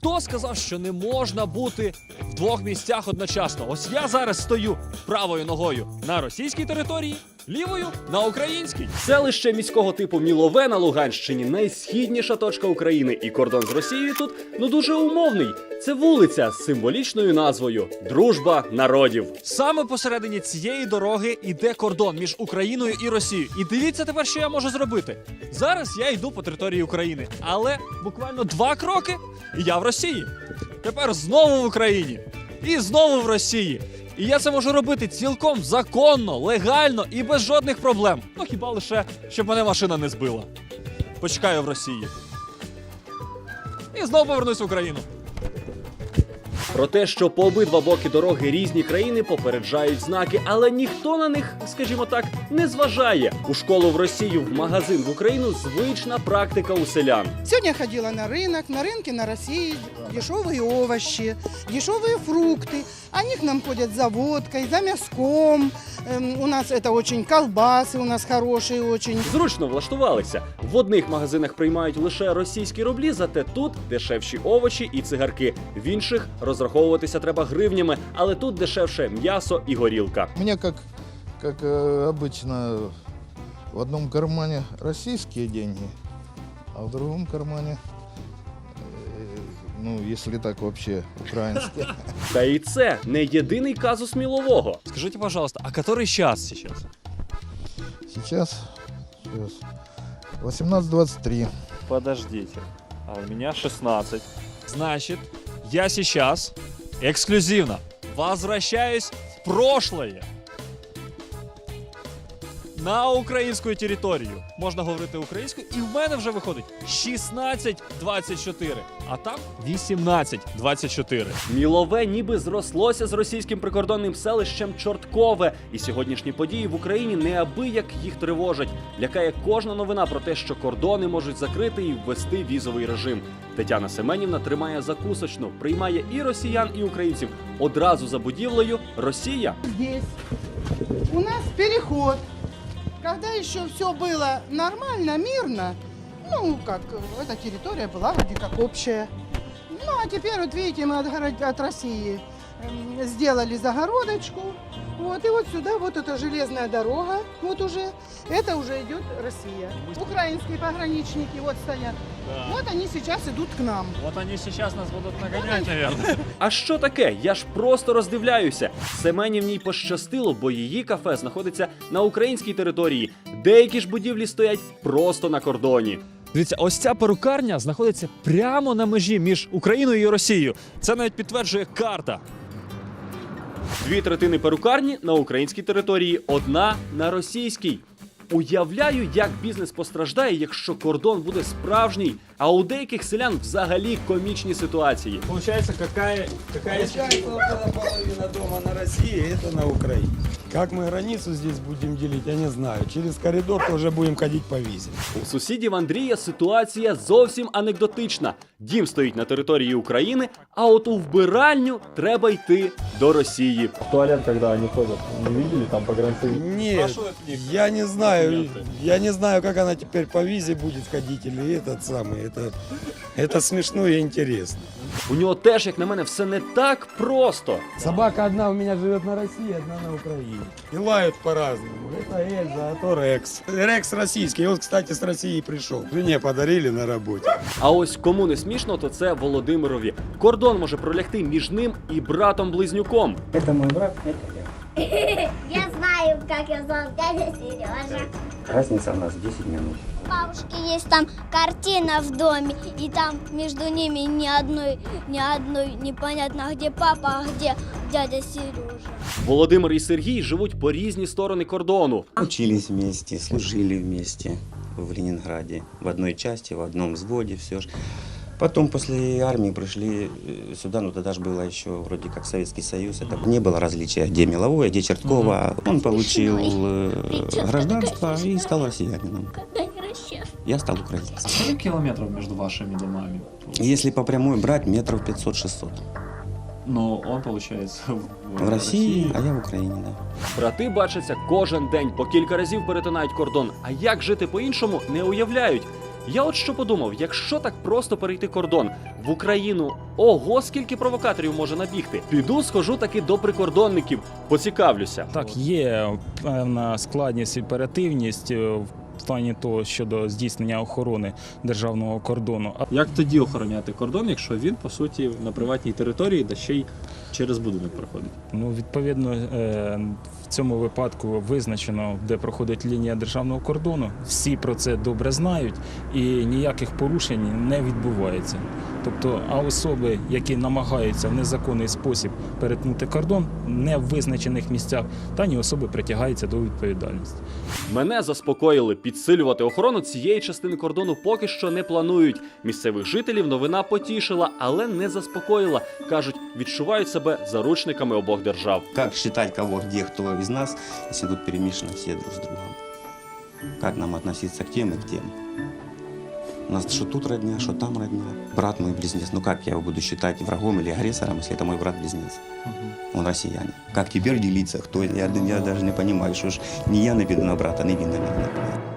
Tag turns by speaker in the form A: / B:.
A: Хто сказав, що не можна бути в двох місцях одночасно? Ось я зараз стою правою ногою на російській території, лівою на українській.
B: Селище міського типу Мілове на Луганщині – найсхідніша точка України. І кордон з Росією тут, дуже умовний. Це вулиця з символічною назвою «Дружба народів».
A: Саме посередині цієї дороги йде кордон між Україною і Росією. І дивіться тепер, що я можу зробити. Зараз я йду по території України, але буквально 2 кроки – і я в Росії. Тепер знову в Україні. І знову в Росії. І я це можу робити цілком законно, легально і без жодних проблем. Ну хіба лише, щоб мене машина не збила. Почекаю в Росії. І знову повернусь в Україну.
B: Про те, що по обидва боки дороги різні країни, попереджають знаки, але ніхто на них, скажімо так, не зважає. У школу в Росію, в магазин в Україну – звична практика у селян.
C: Сегодня я ходила на рынке на России дешевые овощи, дешевые фрукты. Они к нам ходят за водкой, за мяском. У нас это очень колбасы, у нас хорошие очень.
B: Зручно влаштувалися. В одних магазинах приймають лише російські рублі, зате тут дешевші овочі і цигарки. В інших розраховуватися треба гривнями, але тут дешевше м'ясо і горілка.
D: У меня, как обычно, в одном кармане российские деньги, а в другом кармане, ну, если так вообще, украинские.
B: Та і це не єдиний казус Мілового.
A: Скажите, пожалуйста, а который час сейчас?
D: Сейчас 18:23.
A: Подождите, а у меня 16. Значит, я сейчас эксклюзивно возвращаюсь в прошлое. На українську територію. Можна говорити українською, і в мене вже виходить 16:24, а там 18:24.
B: Мілове ніби зрослося з російським прикордонним селищем Чорткове. І сьогоднішні події в Україні неабияк їх тривожать. Лякає кожна новина про те, що кордони можуть закрити і ввести візовий режим. Тетяна Семенівна тримає закусочну, приймає і росіян, і українців. Одразу за будівлею «Росія».
C: Здесь у нас переход. Когда еще все было нормально, мирно, ну, как эта территория была вроде как общая. Ну, а теперь, вот видите, мы от России сделали загородочку. Вот, и вот сюда, вот эта железная дорога, вот уже, это уже идет Россия. Украинские пограничники вот стоят.
A: Да.
C: Вот они сейчас идут к нам.
A: Вот они сейчас нас будут нагонять, наверное.
B: А що таке? Я ж просто роздивляюся. Семенівній пощастило, бо її кафе знаходиться на українській території. Деякі ж будівлі стоять просто на кордоні.
A: Дивіться, ось ця перукарня знаходиться прямо на межі між Україною і Росією. Це навіть підтверджує карта.
B: 2/3 перукарні на українській території, 1 на російській. Уявляю, як бізнес постраждає, якщо кордон буде справжній, а у деяких селян взагалі комічні ситуації.
A: Получается, какая
E: Получается, около половины дома на России, это на Украине. Как мы границу здесь будем делить, я не знаю. Через коридор тоже будем ходить по визе.
B: У сусідів Андрія ситуація зовсім анекдотична. Дім стоїть на території України, а от у вбиральню треба йти до Росії.
F: Туалет, когда они ходят, не видели там погранцы?
E: Нет, я не знаю. Я не знаю, как она теперь по визе будет ходить или этот самый. Это смешно и интересно.
B: У нього теж, як на мене, все не так просто.
E: Собака одна у меня живет на России, одна на Украине. И лают по-разному. Это Эльза, а то Рекс. Рекс российский. Он, кстати, с России пришел. Жене подарили на работе.
B: А ось кому не смішно, то це Володимирові. Кордон може пролягти між ним і братом-близнюком.
G: Это мой брат, это я.
H: Я знаю, как я зовут, дядя Сережа.
G: Разница у нас 10 минут.
H: У бабушки есть там картина в доме, и там между ними ни одной непонятно, где папа, а где дядя Сережа.
B: Володимир і Сергій живуть по різні сторони кордону.
G: Учились вместе, служили вместе в Ленинграде. В одной части, в одном взводе, все ж. Потом после армии пришли сюда, ну тогда же было еще вроде как Советский Союз. Это не было различия, где Меловой, где Черткова. Он получил гражданство и стал россиянином. Я стал украинцем.
A: Сколько километров между вашими домами?
G: Если по прямой брать, метров 500-600.
A: Но он, получается,
G: В России, а я в Украине, да.
B: Брати бачаться кожен день, по кілька разів перетинають кордон. А як жити по-іншому, не уявляють. Я от що подумав, якщо так просто перейти кордон в Україну, ого, скільки провокаторів може набігти. Піду, схожу таки до прикордонників, поцікавлюся.
I: Так, є певна складність і оперативність в плані того щодо здійснення охорони державного кордону.
A: Як тоді охороняти кордон, якщо він, по суті, на приватній території, де ще й через будинок проходить?
I: Ну, відповідно, в цьому випадку визначено, де проходить лінія державного кордону. Всі про це добре знають і ніяких порушень не відбувається. Тобто, а особи, які намагаються в незаконний спосіб перетнути кордон, не в визначених місцях, дані особи притягаються до відповідальності.
B: Мене заспокоїли. Підсилювати охорону цієї частини кордону поки що не планують. Місцевих жителів новина потішила, але не заспокоїла. Кажуть, відчувають себе заручниками обох держав.
G: Как считать кого, где, кто из нас, если тут перемешаны все друг с другом? Как нам относиться к тем и к тем? У нас что тут родня, что там родня. Брат мой близнец. Ну как я его буду считать врагом или агрессором, если это мой брат-близнец? Он россиянин. Как теперь делиться? Кто? Я даже не понимаю, что ж не я наведу на брата, не він на меня.